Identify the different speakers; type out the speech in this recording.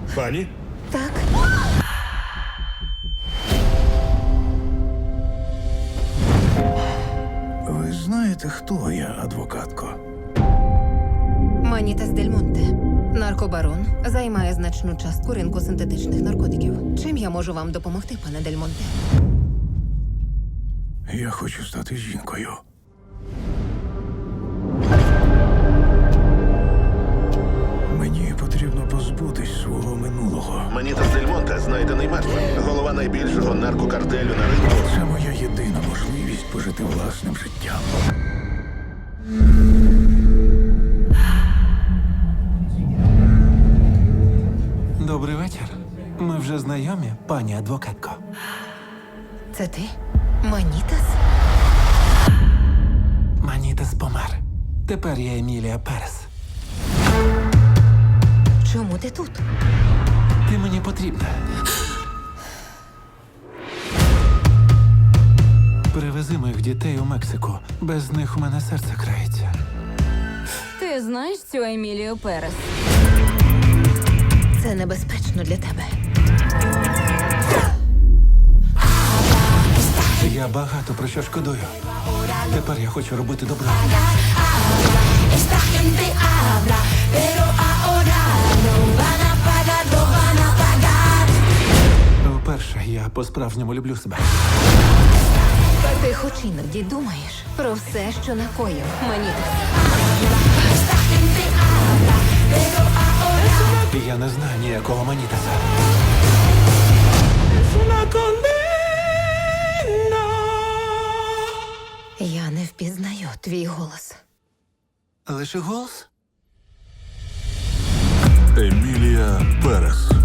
Speaker 1: Пані?
Speaker 2: Так.
Speaker 3: Ви знаєте, хто я, адвокатко?
Speaker 2: Манітас Дель Монте. Наркобарон займає значну частку ринку синтетичних наркотиків. Чим я можу вам допомогти, пане Дель Монте?
Speaker 3: Я хочу стати жінкою. Мені потрібно позбутись свого минулого.
Speaker 4: Манітас Дель Монте знайдений мертвим. Голова найбільшого наркокартелю на ринку.
Speaker 3: Це моя єдина можливість пожити власним життям.
Speaker 5: Добрий вечір. Ми вже знайомі, пані адвокатко.
Speaker 2: Це ти? Манітас?
Speaker 5: Манітас помер. Тепер я Емілія Перес.
Speaker 2: Чому ти тут?
Speaker 5: Ти мені потрібна. Привези моїх дітей у Мексику. Без них у мене серце крається.
Speaker 6: Ти знаєш цю Емілію Перес?
Speaker 2: Це небезпечно для тебе.
Speaker 5: Я багато про що шкодую. Тепер я хочу робити добро. Вперше я по-справжньому люблю себе.
Speaker 2: Ти хоч іноді думаєш про все, що накоїв Манітас.
Speaker 5: Я не знаю ніякого Манітаса.
Speaker 2: Я не впізнаю твій голос.
Speaker 5: Лише голос?
Speaker 1: Емілія Перес.